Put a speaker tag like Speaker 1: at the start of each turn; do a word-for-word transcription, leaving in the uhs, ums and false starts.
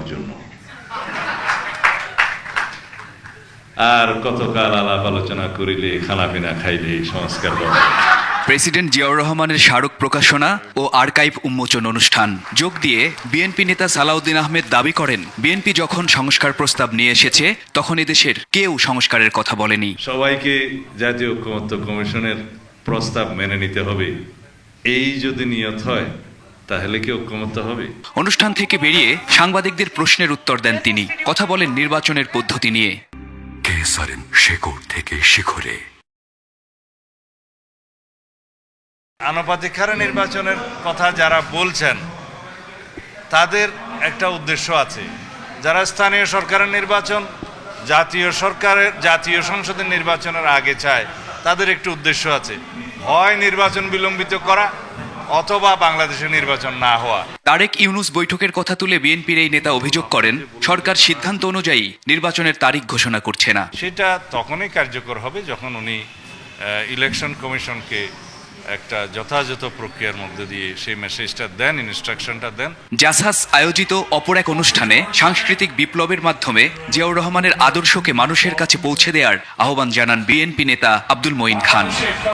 Speaker 1: জন্য। আর কতকাল আলাপ আলোচনা করিলে, খানাপিনা খাইলে সংস্কার হবে।
Speaker 2: প্রেসিডেন্ট জিয়াউর রহমানের স্মারক প্রকাশনা ও আর্কাইভ উন্মোচন অনুষ্ঠান যোগ দিয়ে বিএনপি নেতা সালাউদ্দিন আহমেদ দাবি করেন, বিএনপি যখন সংস্কার প্রস্তাব নিয়ে এসেছে তখন এদেশের কেউ সংস্কারের কথা বলেনি।
Speaker 1: সবাইকে জাতীয় ঐকমত্য কমিশনের প্রস্তাব মেনে নিতে হবে, এই যদি নিয়ত হয় তাহলে কি ঐকমত্য হবে?
Speaker 2: অনুষ্ঠান থেকে বেরিয়ে সাংবাদিকদের প্রশ্নের উত্তর দেন তিনি। কথা বলেন নির্বাচনের পদ্ধতি নিয়ে।
Speaker 3: কে সারেন শেকড় থেকে শিখরে।
Speaker 4: আনুপাতিক হারে নির্বাচনের কথা যারা বলছেন তাদের একটা উদ্দেশ্য আছে। যারা স্থানীয় সরকারের নির্বাচন জাতীয় সরকারের জাতীয় সংসদের নির্বাচনের আগে চায়, তাদের একটু উদ্দেশ্য আছে, হয় নির্বাচন বিলম্বিত করা অথবা বাংলাদেশে নির্বাচন না হওয়া।
Speaker 2: তারেক ইউনুস বৈঠকের কথা তুলে বিএনপির এই নেতা অভিযোগ করেন, সরকার সিদ্ধান্ত অনুযায়ী নির্বাচনের তারিখ ঘোষণা করছে না।
Speaker 4: সেটা তখনই কার্যকর হবে যখন উনি ইলেকশন কমিশনকে একটা যথাযথ প্রক্রিয়ার মধ্যে দিয়ে সেই মেসেজটা দেন, ইনস্ট্রাকশনটা দেন।
Speaker 2: জাসাস আয়োজিত অপর এক অনুষ্ঠানে সাংস্কৃতিক বিপ্লবের মাধ্যমে জিয়াউর রহমানের আদর্শকে মানুষের কাছে পৌঁছে দেওয়ার আহ্বান জানান বিএনপি নেতা আব্দুল মঈন খান।